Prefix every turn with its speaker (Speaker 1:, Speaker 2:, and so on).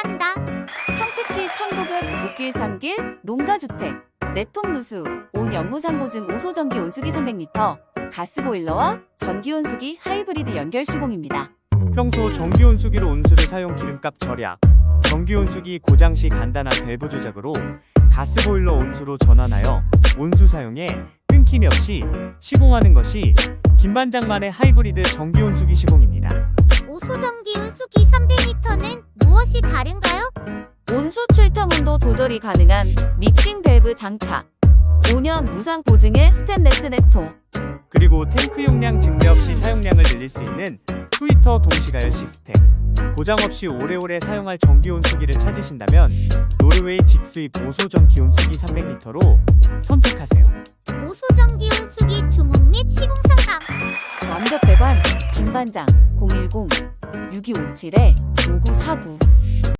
Speaker 1: 산다.
Speaker 2: 평택시 천고급 6길 3길 농가주택 내통 누수 온 연무상 보증 오소전기 온수기 300L 가스보일러와 전기온수기 하이브리드 연결 시공입니다.
Speaker 3: 평소 전기온수기로 온수를 사용 기름값 절약, 전기온수기 고장 시 간단한 밸브 조작으로 가스보일러 온수로 전환하여 온수 사용에 끊김이 없이 시공하는 것이 김반장만의 하이브리드 전기온수기 시공입니다.
Speaker 1: 오소전기 온수기 300L는 무엇이 다른가요?
Speaker 2: 온수 출탕 온도 조절이 가능한 믹싱 밸브 장착 5년 무상 보증의 스테인레스 내통
Speaker 3: 그리고 탱크 용량 증대 없이 사용량을 늘릴 수 있는 투히터 동시가열 시스템. 고장 없이 오래오래 사용할 전기온수기를 찾으신다면 노르웨이 직수입 오소전기 온수기 300L로 선택하세요.
Speaker 1: 오소전기 온수기 주문 및 시공 상담.
Speaker 2: 완벽 배관 김반장 010-6257-5949